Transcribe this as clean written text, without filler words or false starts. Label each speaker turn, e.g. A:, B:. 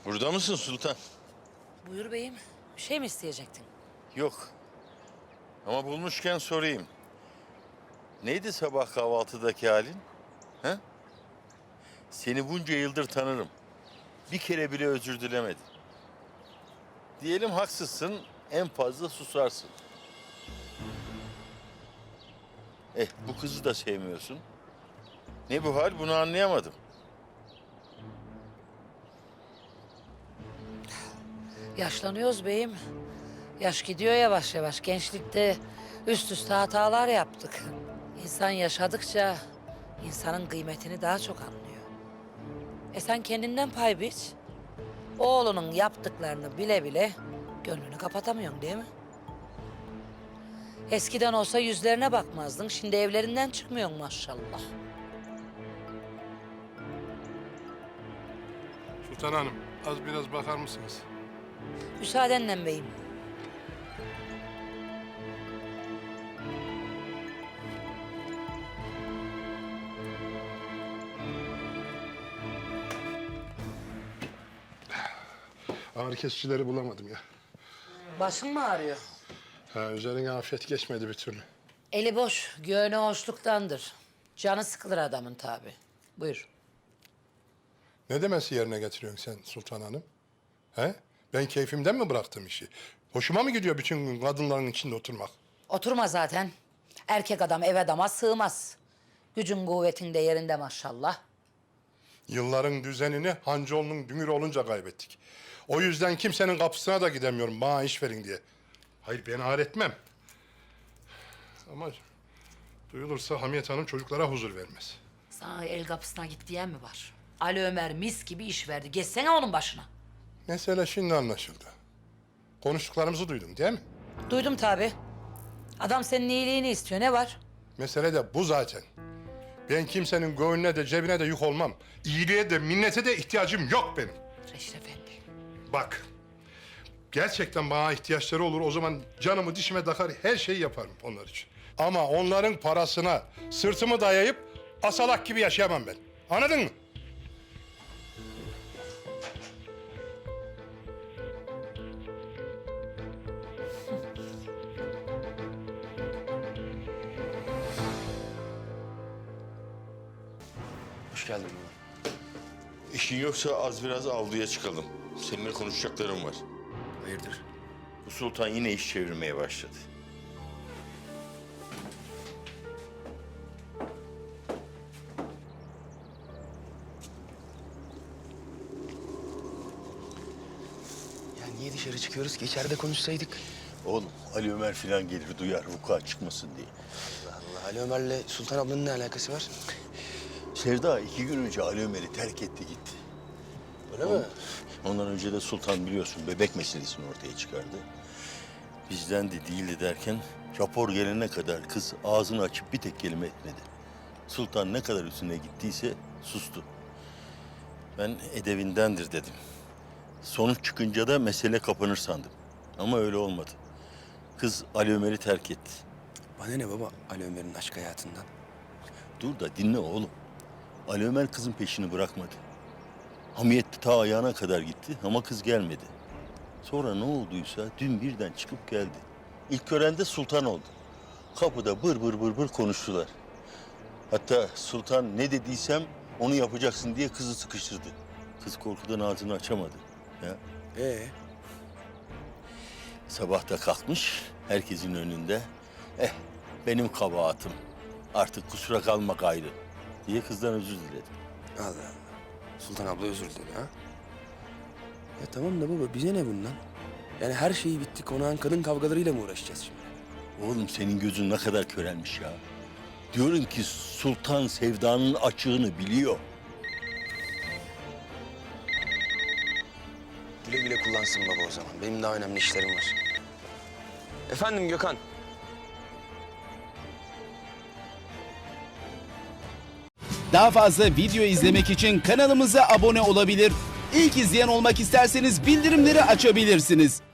A: Burada mısın Sultan?
B: Buyur beyim. Bir şey mi isteyecektin?
A: Yok. Ama bulmuşken sorayım. Neydi sabah kahvaltıdaki halin? He? Seni bunca yıldır tanırım. Bir kere bile özür dilemedin. Diyelim haksızsın, en fazla susarsın. Bu kızı da sevmiyorsun. Ne bu hal, bunu anlayamadım.
B: Yaşlanıyoruz beyim. Yaş gidiyor yavaş yavaş. Gençlikte üst üste hatalar yaptık. İnsan yaşadıkça insanın kıymetini daha çok anlıyor. Sen kendinden pay biç. Oğlunun yaptıklarını bile bile gönlünü kapatamıyorsun değil mi? Eskiden olsa yüzlerine bakmazdın. Şimdi evlerinden çıkmıyorsun maşallah.
C: Sultan Hanım, az biraz bakar mısınız?
B: Müsaadenle beyim.
C: Ağrı kesicileri bulamadım ya.
B: Başın mı ağrıyor?
C: Üzerine afiyet geçmedi bir türlü.
B: Eli boş, göğne hoşluktandır. Canı sıkılır adamın tabi. Buyur.
C: Ne demesi yerine getiriyorsun sen Sultan Hanım? Ben keyfimden mi bıraktım işi? Hoşuma mı gidiyor bütün gün kadınların içinde oturmak?
B: Oturma zaten. Erkek adam ev adama sığmaz. Gücün kuvvetin de yerinde maşallah.
C: Yılların düzenini Hancıoğlu'nun dünür olunca kaybettik. O yüzden kimsenin kapısına da gidemiyorum bana iş verin diye. Hayır ben ağır etmem. Ama duyulursa Hamiyet Hanım çocuklara huzur vermez.
B: Sana el kapısına git diyen mi var? Ali Ömer mis gibi iş verdi. Geçsene onun başına.
C: Mesele şimdi anlaşıldı. Konuştuklarımızı duydun değil mi?
B: Duydum tabi. Adam senin iyiliğini istiyor. Ne var?
C: Mesele de bu zaten. Ben kimsenin göğününe de cebine de yük olmam. İyiliğe de minnete de ihtiyacım yok benim.
B: Reşit Efendi.
C: Bak, gerçekten bana ihtiyaçları olur. O zaman canımı dişime takar, her şeyi yaparım onlar için. Ama onların parasına sırtımı dayayıp asalak gibi yaşayamam ben. Anladın mı?
D: Hoş geldin baba.
A: İşin yoksa az biraz avluya çıkalım. Seninle konuşacaklarım var.
D: Hayırdır?
A: Bu Sultan yine iş çevirmeye başladı.
D: Ya niye dışarı çıkıyoruz ki? İçeride konuşsaydık.
A: Oğlum Ali Ömer falan gelir duyar vuku'a çıkmasın diye.
D: Allah Allah. Ali Ömer'le Sultan ablanın ne alakası var?
A: Sevda 2 gün önce Ali Ömer'i terk etti gitti.
D: Öyle mi?
A: Ondan önce de Sultan biliyorsun bebek meselesini ortaya çıkardı. Bizden de değildi derken rapor gelene kadar kız ağzını açıp bir tek kelime etmedi. Sultan ne kadar üstüne gittiyse sustu. Ben edevindendir dedim. Sonuç çıkınca da mesele kapanır sandım. Ama öyle olmadı. Kız Ali Ömer'i terk etti.
D: Bana ne baba Ali Ömer'in aşk hayatından?
A: Dur da dinle oğlum. Ali Ömer kızın peşini bırakmadı. Hamiyet ta ayağına kadar gitti ama kız gelmedi. Sonra ne olduysa dün birden çıkıp geldi. İlk gören de Sultan oldu. Kapıda bır bır bır bır konuştular. Hatta Sultan ne dediysem onu yapacaksın diye kızı sıkıştırdı. Kız korkudan ağzını açamadı. Ya. Sabah da kalkmış herkesin önünde. Benim kabahatim. Artık kusura kalma gayrı diye kızdan özür diledi.
D: Allah Allah. Sultan abla özür diledi ha? Ya tamam da baba bize ne bundan? Yani her şeyi bitti. Konağın kadın kavgalarıyla mı uğraşacağız şimdi?
A: Oğlum senin gözün ne kadar körelmiş ya. Diyorum ki Sultan Sevda'nın açığını biliyor.
D: Güle güle kullansın baba o zaman. Benim daha önemli işlerim var. Efendim Gökhan.
E: Daha fazla video izlemek için kanalımıza abone olabilir. İlk izleyen olmak isterseniz bildirimleri açabilirsiniz.